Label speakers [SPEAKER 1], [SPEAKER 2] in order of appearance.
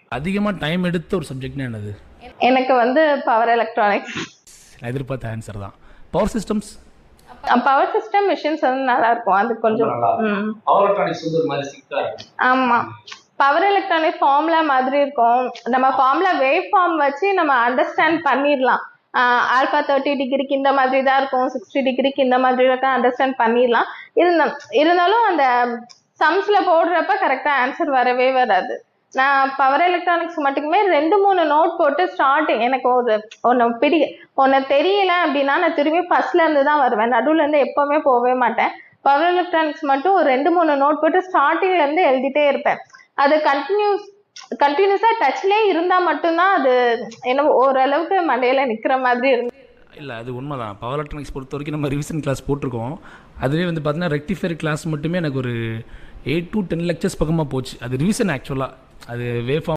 [SPEAKER 1] அதிகமாக டைம் எடுத்த ஒரு சப்ஜெக்ட்னா என்னது?
[SPEAKER 2] எனக்கு வந்து பவர் எலக்ட்ரானிக்ஸ்.
[SPEAKER 1] நான் எதிர்பார்த்த ஆன்சர் தான். Power systems.
[SPEAKER 2] Power system machines வந்து நல்லா இருக்கும். அது கொஞ்சம்
[SPEAKER 3] பவர் எலக்ட்ரானிக்ஸ் வந்து ஒரு மாதிரி சிக்கா இருக்கும்.
[SPEAKER 2] ஆமா. பவர் எலக்ட்ரானிக் ஃபார்முலா மாதிரி இருக்கும். நம்ம ஃபார்முலா வேவ் ஃபார்ம் வச்சு நம்ம அண்டர்ஸ்டாண்ட் பண்ணிடலாம். ஆல்ஃபா 30 டிகிரிக்கு இந்த மாதிரி தான் இருக்கும், 60 டிகிரிக்கு இந்த மாதிரி தான் அண்டர்ஸ்டாண்ட் பண்ணிடலாம். இருந்தாலும் அந்த சம்ஸ்ல போடுறப்ப கரெக்டா ஆன்சர் வரவே வராது. நான் பவர் எலக்ட்ரானிக்ஸ் மட்டுக்குமே 2-3 நோட் போட்டு ஸ்டார்டிங் எனக்கு ஒன்று தெரியல அப்படின்னா நான் திரும்பி ஃபர்ஸ்ட்ல இருந்து தான் வருவேன். நடுவுல இருந்து எப்பவுமே போகவே மாட்டேன். பவர் எலக்ட்ரானிக்ஸ் மட்டும் ஒரு 2-3 நோட் போட்டு ஸ்டார்டிங்ல இருந்து எழுதிட்டே இருப்பேன். அது கண்டினியூஸா டச்லேயே இருந்தா மட்டும்தான் அது என்ன ஓரளவுக்கு மண்டையில நிக்கிற மாதிரி இருந்து.
[SPEAKER 1] இல்லை, அது உண்மைதான். பவர் எலக்ட்ரானிக்ஸ் பொறுத்த வரைக்கும் நம்ம ரிவிஷன் கிளாஸ் போட்டிருக்கோம். அதுவே வந்து பார்த்தீங்கன்னா ரெக்டிஃபையர் கிளாஸ் மட்டுமே எனக்கு ஒரு 8 to 10 லெக்சர்ஸ் பக்கமாக போச்சு. அது ரிவிஷன் ஆக்சுவலாக. அது வேவ் ஃபார்ம்